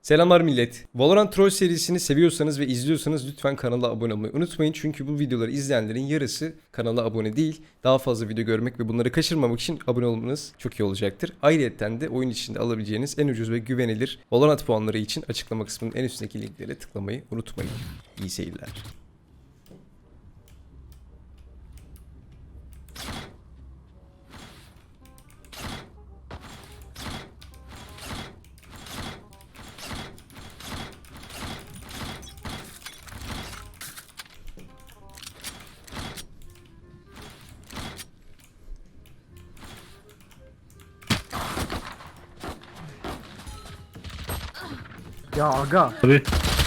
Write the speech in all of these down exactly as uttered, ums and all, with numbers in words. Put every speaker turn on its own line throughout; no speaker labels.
Selamlar millet. Valorant Troll serisini seviyorsanız ve izliyorsanız lütfen kanala abone olmayı unutmayın. Çünkü bu videoları izleyenlerin yarısı kanala abone değil. Daha fazla video görmek ve bunları kaçırmamak için abone olmanız çok iyi olacaktır. Ayrıca de oyun içinde alabileceğiniz en ucuz ve güvenilir Valorant puanları için açıklama kısmının en üstündeki linklere tıklamayı unutmayın. İyi seyirler.
Ya aga.
Abi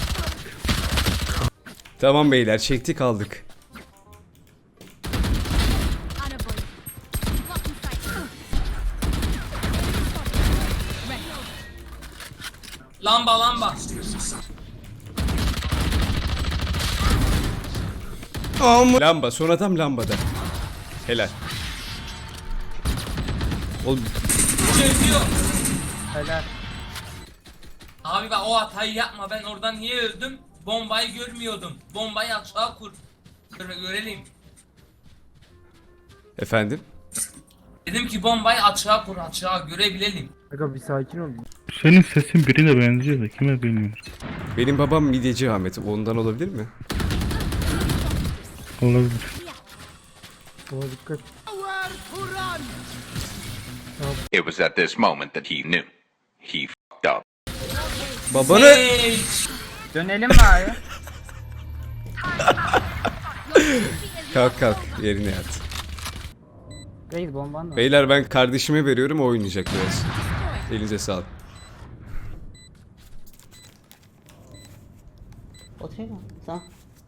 Tamam beyler, çektik aldık.
Lamba lamba.
Lamba, son adam lambada. Helal. Oğlum
Çözüyor.
Helal.
Abi bak o hatayı yapma, ben oradan niye öldüm? Bombayı görmüyordum. Bombayı aşağı kur. Göre- görelim.
efendim.
Dedim ki bombayı açığa kur, açığa görebilelim.
Aga bir sakin ol.
senin sesin birine benziyor da kime bilmiyorum.
Benim babam midyeci Ahmet. Ondan olabilir mi?
Olabilir.
Ona dikkat.
It was at this moment that he knew. He fucked up.
Babanı...
Hey!
Dönelim mi abi?
Kalk kalk, yerine yat.
Reis bomban da.
Beyler ben kardeşime veriyorum, o oynayacak biraz. Elinize sağlık.
Oturuyor mu? Tamam.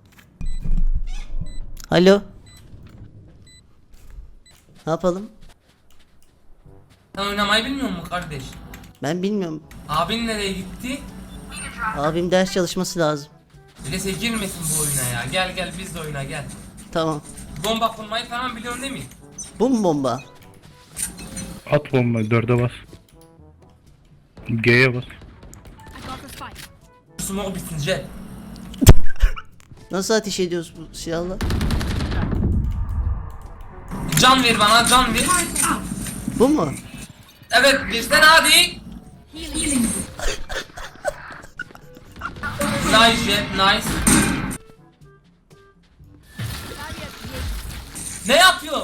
Alo. Ne yapalım?
Sen oynamayı bilmiyor musun kardeş?
Ben bilmiyorum.
Abin nereye gitti?
Abim ders çalışması lazım.
Öyleyse girmesin bu oyuna ya. Gel gel biz de oyna gel.
Tamam.
Bomba kurmayı falan biliyorsun değil mi?
Bu mu bomba?
At bomba dörde bas. G'ye bas.
Smoke bitince.
Nasıl ateş ediyoruz bu silahla?
Can ver bana, can ver.
Bu mu?
Evet, bizden hadi. Nice jet, nice. Ne yapıyor?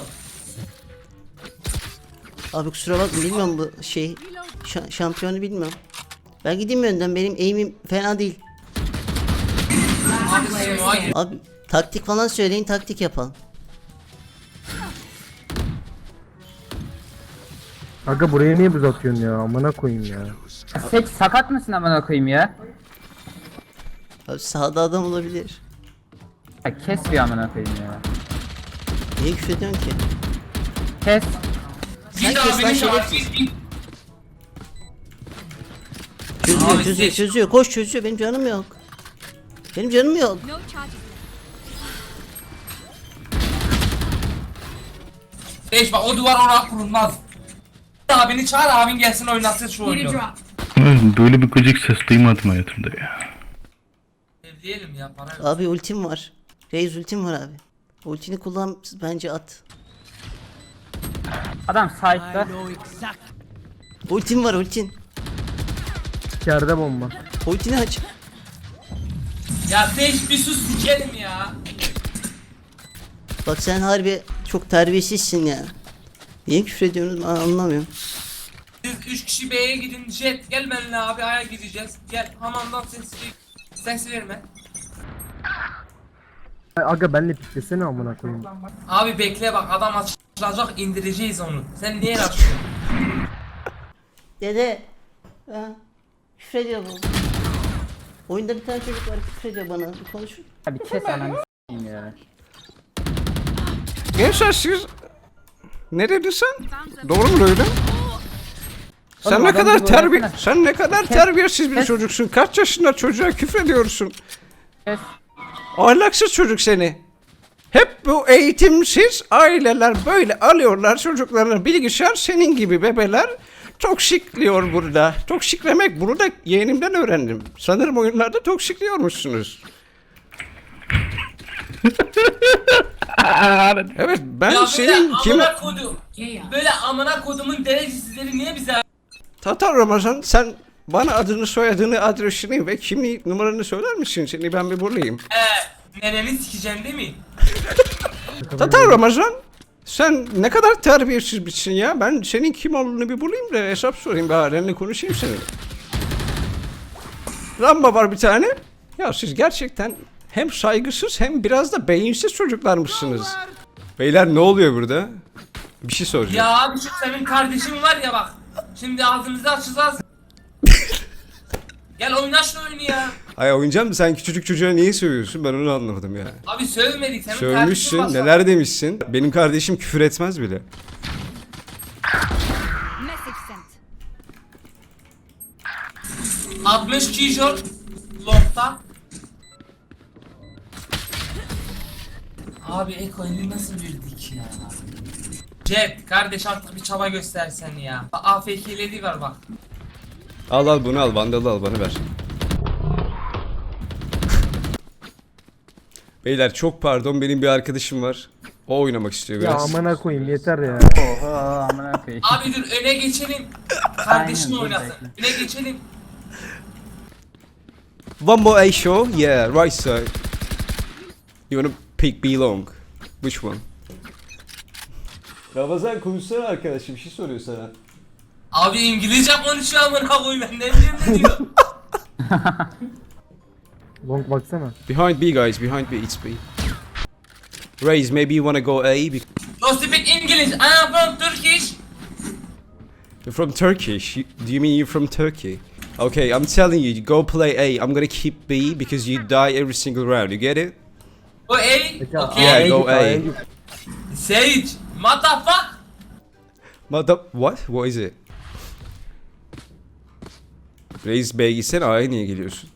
Abi kusura bakma, bilmiyorum bu şey. Şa- şampiyonu bilmiyorum. Ben gideyim mi önden? Benim aim'im fena değil.
Abi smoke'a gir.
Abi taktik falan söyleyin, taktik yapalım.
Aga buraya niye buz atıyorsun ya? Amına koyayım ya.
Seç sakat mısın amına koyayım ya?
Abi sağda adam olabilir.
Ya kes bir amına koyayım ya.
Niye küfür ediyorsun ki?
Kes.
Sen
Git
kes lan
abinin de var,
şerefsiz.
git, git.
Çözüyor,
Abi
çözüyor,
seç.
çözüyor. Koş, çözüyor. Benim canım yok. Benim canım yok.
Beş bak, o duvar oraya kurulmaz. Abini çağır, abin gelsin oynasın şu oyunu.
Ay, böyle bir gıcık ses duymadım hayatımda ya.
Evleyelim ya, para yok.
Abi ultim var. Reis ultim var abi. Ultini kullan, bence at.
Adam side'da.
Ultim var, ultin.
İçeride bomba.
Ultini aç.
Ya beş bir sus sikerim ya.
Bak sen harbi çok terbiyesizsin ya. Niye küfür ediyorsunuz ben anlamıyorum.
Siz üç kişi B'ye gidin, jet gel benimle abi, A'ya gideceğiz. Gel hamamdan ses ses verme.
Ay, Aga benle piklesene amına koyayım.
Abi bekle bak, adam açılacak, indireceğiz onu. Sen niye açıyorsun?
Dede. Ha, küfür ediyor bu. Oyunda bir tane çocuk var, küfür ediyor bana. Bir konuşun.
Abi kes ananı s**eyim ya.
Gençler siz... Nerelisin? Doğru mu öyle? Sen
Oğlum,
ne
adam
kadar
gibi
terbiye...
öğretsene.
Sen ne kadar terbiyesiz bir
Kes.
çocuksun. Kaç yaşında çocuğa küfür ediyorsun?
Kes.
Ahlaksız çocuk seni. Hep bu eğitimsiz aileler böyle alıyorlar çocuklarını, bilgisayar senin gibi bebeler
Toksikliyor burada. Toksiklemek bunu da yeğenimden öğrendim. Sanırım oyunlarda toksikliyormuşsunuz. Evet ben
Ya böyle
senin kim...
amına kodum. Böyle amına kodumun derecesizleri niye bize...
Tatar Ramazan sen bana adını soyadını adresini ve kimlik numaranı söyler misin? Seni ben bir bulayım.
Eee nereni sikeceğim değil mi?
Tatar Ramazan sen ne kadar terbiyesiz bitsin ya. Ben senin kim olduğunu bir bulayım da hesap sorayım. Baharenle konuşayım seninle. Ramba var bir tane. Ya siz gerçekten hem saygısız hem biraz da beyinsiz çocuklarmışsınız. Beyler ne oluyor burada? Bir şey soracağım.
Ya abi şu senin kardeşin var ya bak. Şimdi ağzımızı açacağız. Gel oyna şu oyunu ya.
Ay oynayacağım mı? Sen küçücük çocuğa niye sövüyorsun? Ben onu anlamadım ya.
Abi sövmedik senin
Sövmüşsün.
kardeşin var.
Neler demişsin? Benim kardeşim küfür etmez bile.
altmış kişol longta. Abi Eko'yu nasıl verdik ya? Jet kardeş artık bir çaba göstersen ya. A F K'leri var bak.
Al al bunu al. Vandalı al bana ver. Beyler çok pardon. Benim bir arkadaşım var. O oynamak istiyor
Ya
biraz.
amına koyayım yeter ya.
Oho amına koyayım.
Abi dur öne geçelim. Kardeşin
Aynen, dur
oynasın.
bekle.
Öne geçelim.
One more A show. Yeah, right side. You wanna pick B long? Which one? Ramazan konuşsana arkadaşım. Bir şey soruyor sana.
Abi İngilizce konuşuyor amına koyayım ben ne bileyim ne diyor.
Long baksana.
Behind B guys. Behind B. It's B. Raise, maybe you wanna go A. Be-
You speak English. I am from Turkish.
You're from Turkish. You, do you mean you're from Turkey? Okay, I'm telling you, go play A. I'm gonna keep B because you die every single round. You get it?
O A.
Peki,
Okay.
Yeah,
A'ya
go
git,
A.
A'ya git.
Sage. What the fuck?
Mother... What? What is it? Reis B'ye gitsene A'ya niye geliyorsun?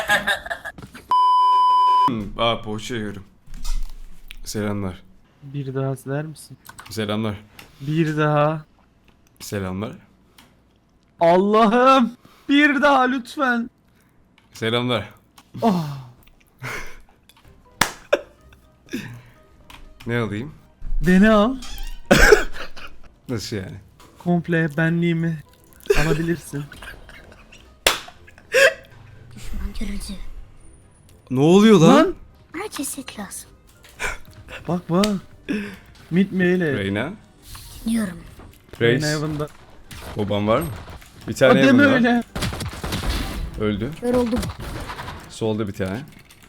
hmm, aa poğaça yiyorum. Selamlar.
Bir daha siler misin?
Selamlar.
Bir daha.
Selamlar.
Allah'ım! Bir daha lütfen.
Selamlar.
Oh.
Ne alayım?
Beni al.
Nasıl yani?
Komple benliğimi alabilirsin.
Görücü.
Ne oluyor lan?
Lan!
Bana ceset lazım.
Bak bak. Mid meyle.
Reyna.
Dinliyorum.
Reis.
Heaven'da.
Baban var mı? Bir
Ha,
tane
deme
Heaven var.
öyle.
Öldü.
Kör oldum.
Solda bir tane.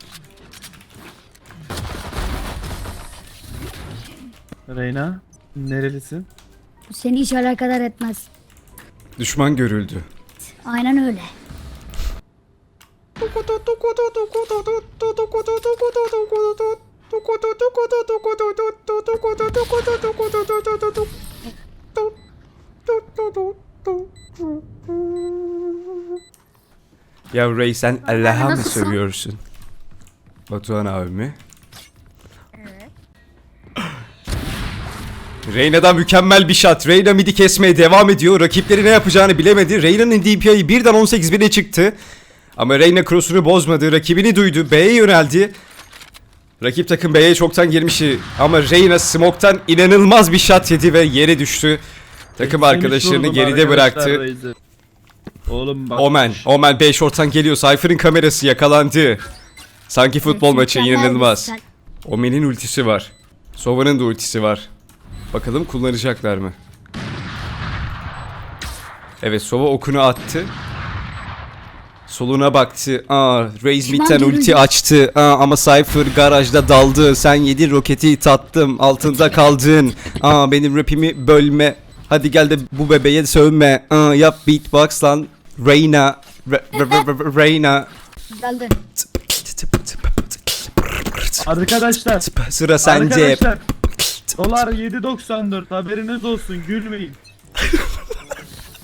Reyna. Nerelisin?
Bu seni hiç alakadar etmez.
Düşman görüldü.
Aynen öyle.
Ya Ray sen Allah'a mı
nasılsın?
seviyorsun? Batuhan abimi. Reyna'dan mükemmel bir shot. Reyna midi kesmeye devam ediyor. Rakipleri ne yapacağını bilemedi. Reyna'nın D P I'yi birden on sekiz bine çıktı. Ama Reyna cross'unu bozmadı. Rakibini duydu. B'ye yöneldi. Rakip takım B'ye çoktan girmişti. Ama Reyna smoke'tan inanılmaz bir shot yedi ve yere düştü. Takım arkadaşlarını
Vurdum
geride
arkadaşlar
bıraktı.
Reis'i. Oğlum bak.
Omen. Omen B short'tan geliyor. Cypher'ın kamerası yakalandı. Sanki futbol maçı inanılmaz. Omen'in ultisi var. Sova'nın da ultisi var. Bakalım kullanacaklar mı? Evet Sova okunu attı. Soluna baktı. Aa, Raze mid'den ulti açtı. Aa, ama Cypher garajda daldı. Sen yedin roketi tattım. Altında kaldın. Aa, benim rapimi bölme. Hadi gel de bu bebeğe sövme. Aa, yap beatbox lan. Reyna. Re- re- re- re- Reyna.
Geldi.
Arkadaşlar.
Sıra sende.
Arkadaşlar. Dolar yedi doksan dört haberiniz olsun gülmeyin.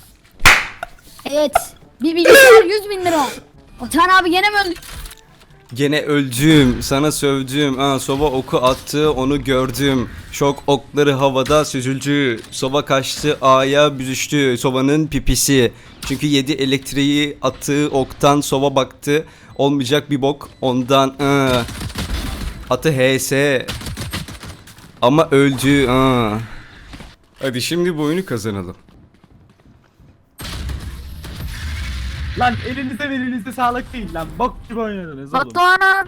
Evet. Bir bilgisayar yüz bin lira. Otan abi gene mi öldü?
Gene öldüm, sana sövdüm. Ha, Sova oku attı, onu gördüm. Şok okları havada süzüldü. Sova kaçtı, A'ya büzüştü. Sova'nın pipisi. Çünkü yedi elektriği attığı oktan Sova baktı. Olmayacak bir bok ondan. Aa. Atı H S. Ama öldü. Aa. Hadi şimdi bu oyunu kazanalım.
Lan elinize elinize sağlık değil lan. Bok gibi oynadınız oğlum.
Batuhan.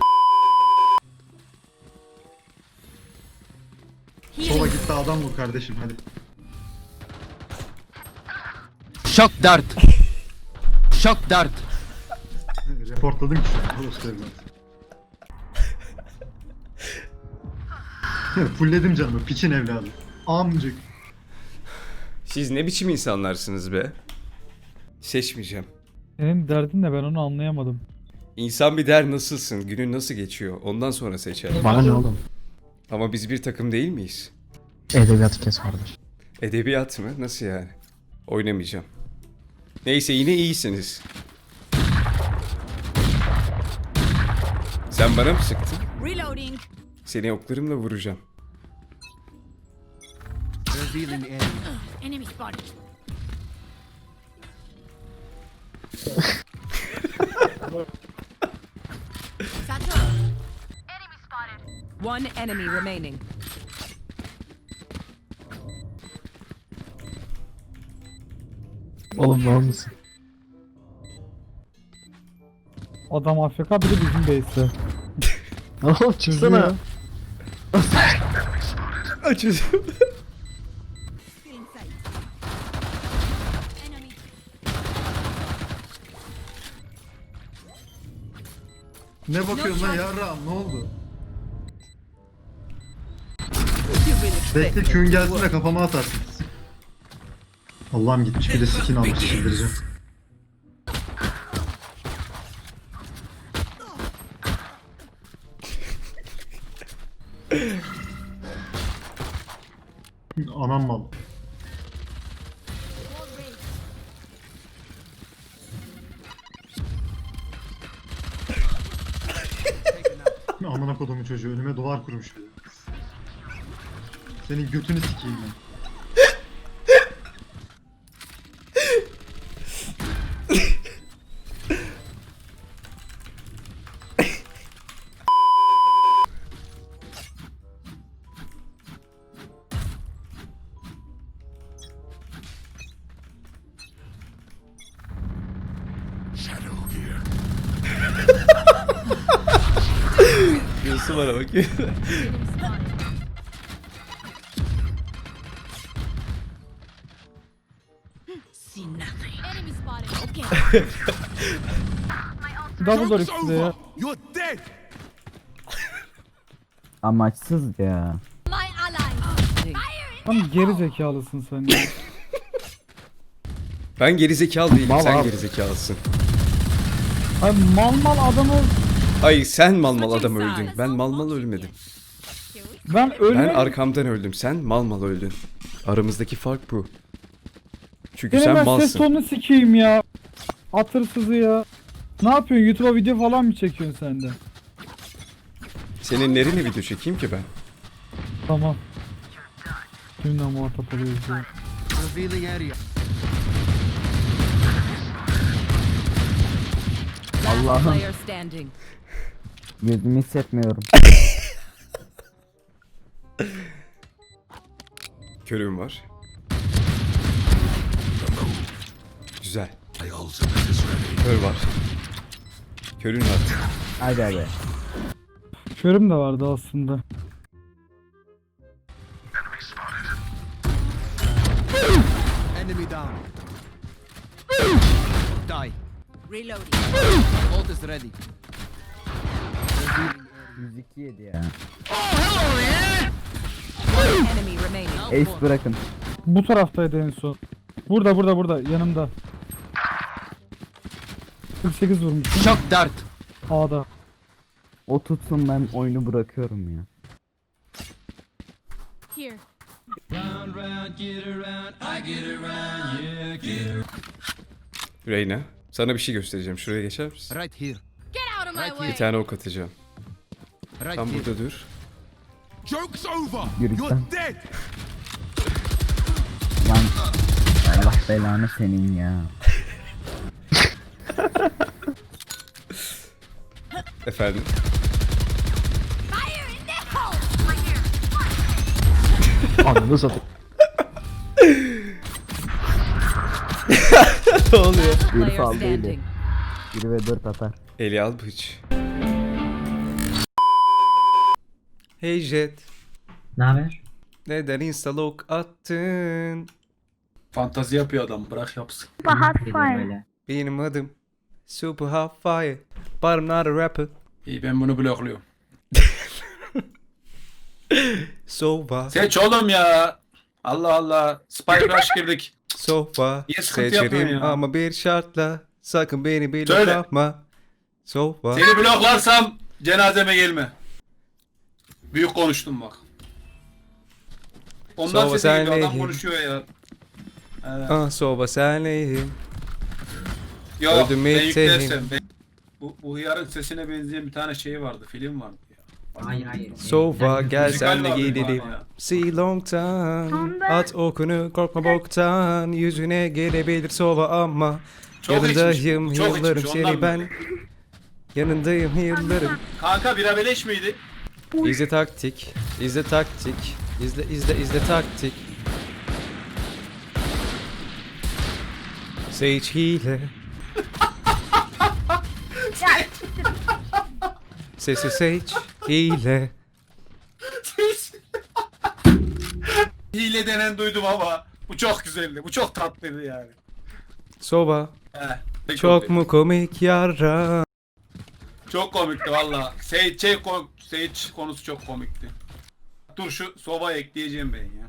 Sola gitti adam vur kardeşim hadi.
Şok dart. Şok dart.
Reportladım ki şu an. Orası evladım. Fulledim canımı piçin evladı. Amcık.
Siz ne biçim insanlarsınız be? Seçmeyeceğim.
Senin derdin ne ben onu anlayamadım.
İnsan bir der nasılsın, günün nasıl geçiyor, ondan sonra seçer.
Bana ne oğlum?
Ama biz bir takım değil miyiz?
Edebiyatı kes kardeş.
Edebiyat mı? Nasıl yani? Oynamayacağım. Neyse yine iyisiniz. Sen bana mı sıktın?
Reloading.
Seni oklarımla vuracağım.
Enemy spotted.
One enemy remaining.
Oğlum var mısın?
Adam A F K biri bizim base'te.
Oğlum çıksana.
Açacağım.
Ne bakıyorsun lan yarrağım ne oldu? Bekle Q'un gelsin de kafama atarsın. Allah'ım gitmiş bir de skin almış çıldıracağım. Anam mal. Amına kodumun çocuğu önüme duvar kurmuş bir de. Senin götünü sikeyim ben.
Nasıl bana bakıyor?
Enemy spotted. Okay.
Double door ikisi de ya.
Amaçsız ya.
My ally.
Tam geri zekalısın sen ya.
Ben gerizekalı değilim,
Mal
sen
abi.
gerizekalısın.
Ay mal mal adamı
Ay sen mal mal adam öldün. Ben mal mal ölmedim.
ben
Ben
ölmedim.
arkamdan öldüm. Sen mal mal öldün. Aramızdaki fark bu. Çünkü
Gene
sen
ben ses
malsın.
tonunu sikeyim ya. Atırsızı ya. Ne yapıyorsun? YouTube'a video falan mı çekiyorsun sen de?
Senin nerene video çekeyim ki ben?
Tamam. Kimle muhatap oluyoruz ya?
Allah'ım
Player standing.
yüzümü hissetmiyorum.
Körüm var. Güzel. Kör var. Körün var.
Hadi hadi.
Körüm de vardı aslında.
Reloading.
yüz iki yedi ya.
One enemy remaining.
Ace bırakın.
Bu taraftaydı en son. Burada burada burada yanımda. kırk sekiz vurmuş.
Şok dart.
A'da.
O tutsun ben oyunu bırakıyorum ya.
Here.
Reyna, sana bir şey göstereceğim. Şuraya geçer misin?
Get out of my way.
Bir tane ok atacağım. Tam burada dur.
Yürüyüşten. Lan Allah belanı senin ya.
Efendim.
Fire in the hole.
Ananı satayım.
Ne oluyor?
Bir
Player
sağ değil.
standing.
bir ve dört atar.
Eli al bıç. Hey Jet.
Ne haber?
Neden instalok attın?
Fantazi yapıyor adam. Bırak yapsın.
Benim adım Super Hot Fire. But I'm not a rapper.
İyi ben bunu blokluyorum.
Sova.
Seç oğlum ya. Allah Allah. Spike Rush girdik.
Sova.
Niye sıkıntı yapıyorsun
Seçerim
ya?
ama bir şartla. Sakın beni bile
Söyle.
yapma. Sova.
Seni bloklarsam cenazeme gelme. Büyük konuştum bak. Ondan
Sova
sesi geliyor. Adam
senleyim.
konuşuyor ya. Evet.
Ah Sova senleyim.
Yok
öldüm
ben
ettim.
yüklersem. Ben... Bu, bu hıyarın sesine benzeyen bir tane şeyi vardı. Film vardı ya.
Hayır hayır.
Sova gel
Müzikal
senle
vardı
gidelim.
galiba ya.
See long time. At okunu korkma boktan. Yüzüne gelebilir Sova ama.
Çok içmiş,
Yanındayım
çok
yıllarım
içmiş,
seni
ondan
ben.
böyle.
Yanındayım yıllarım.
Kanka bira beleş miydi?
İzle taktik. İzle taktik. İzle izle izle taktik. Sage hile. Sesi Sage hile.
Hile denen duydum ama bu çok güzeldi. Bu çok tatlıydı yani.
Sova.
He,
Çok mu komik yara?
Çok komikti valla. Sage, şey, ko- Sage konusu çok komikti. Dur şu soba ekleyeceğim ben ya.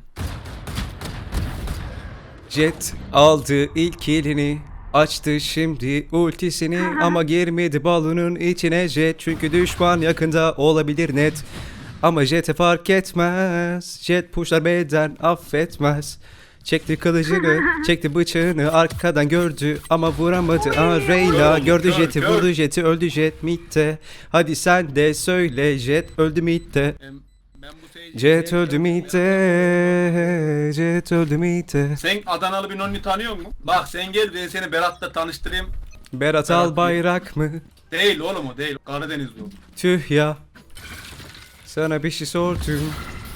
Jet aldı ilk elini. Açtı şimdi ultisini ama girmedi balonun içine Jet çünkü düşman yakında olabilir net. Ama Jet'e fark etmez. Jet pushlar beden affetmez. Çekti kılıcını, çekti bıçağını arkadan gördü ama vuramadı. Aa Reyna
Kör,
gördü
kör,
Jet'i
kör.
vurdu Jet'i öldü Jet midde. Hadi sen de söyle Jet öldü midde.
Ben, ben bu Sage'i
Jet
sevmiyorum.
öldü midde. Jet öldü midde.
Sen Adanalı bir nonni tanıyor musun? Bak sen gel ben seni Berat'la tanıştırayım.
Berat
Berat
Albayrak mı?
Değil oğlum o değil. Karadenizli o.
Tüh ya. Sana bir şey sordum.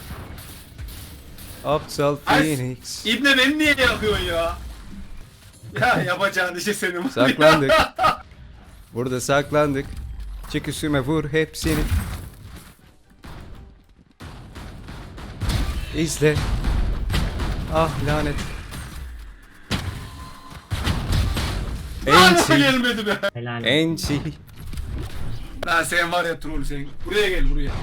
Aptal
Ay,
Phoenix.
İbne beni niye yakıyorsun ya? Ya yapacağın işi senin.
Saklandık. Burada saklandık. Çık üstüme vur hepsini. İzle. Ah lanet.
Hala
Enti.
gelmedi be.
Helal.
Enti.
Lan sen var ya troll sen. Buraya gel buraya.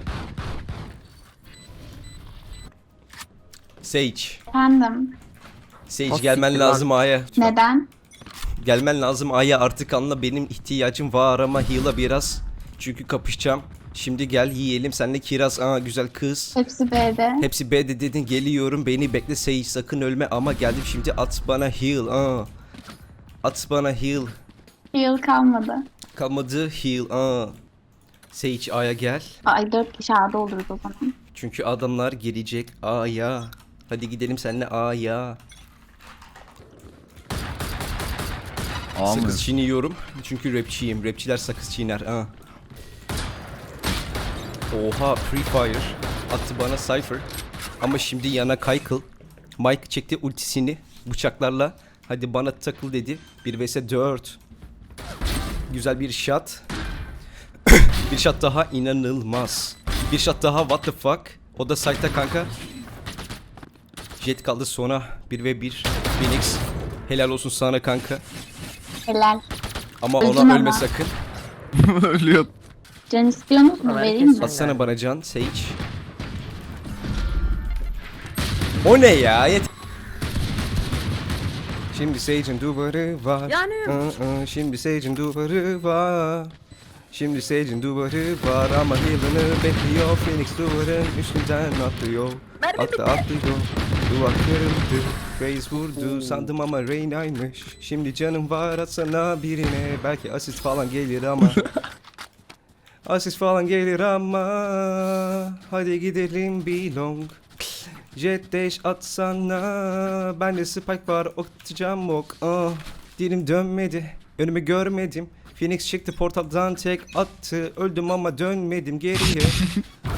Sage.
Efendim,
Sage gelmen lazım A'ya.
neden?
Gelmen lazım A'ya artık anla benim ihtiyacım var ama heal'a biraz. Çünkü kapışacağım. Şimdi gel yiyelim senle kiraz. Aa güzel kız.
Hepsi B'de.
Hepsi B'de dedin geliyorum beni bekle Sage sakın ölme ama geldim şimdi at bana heal. Aa. At bana heal.
Yıl kalmadı.
Kalmadı heal. Aa. Sage A'ya gel.
Ay dört kişi A'da oluruz o zaman.
Çünkü adamlar gelecek A'ya. Hadi gidelim seninle A'ya. Sakız çiğniyorum. Çünkü rapçiyim. Rapçiler sakız çiğner. Aa. Oha Free Fire. Attı bana Cypher. Ama şimdi yana Kaykıl. Mike çekti ultisini bıçaklarla. Hadi bana takıl dedi. bir vs dört. Güzel bir shot. Bir shot daha inanılmaz. Bir shot daha what the fuck. O da site'ta kanka. Jet kaldı sona. bir ve bir. Phoenix. Helal olsun sana kanka.
Helal.
Ama
Öldün
ona
ama.
ölme sakın.
Ölüyor.
Can istiyor musun? Vereyim mi?
Atsana bana can Sage. O ne ya? Yet Şimdi Sage'in duvarı var. Yanıyorum. Şimdi Sage'in duvarı var. Şimdi Sage'in duvarı var ama heal'ını bekliyor. Phoenix duvarın üstünden atlıyor. Atla atlıyor. Duvar kırıldı. Raze vurdu sandım ama Reyna'ymış. Şimdi canım var atsana birine. Belki asist falan gelir ama. Asist falan gelir ama hadi gidelim belong. Jet dash atsana. Bende spike var atacağım ok. Ah, dilim dönmedi. Önümü görmedim. Phoenix çıktı portaldan tek attı. Öldüm ama dönmedim geriye.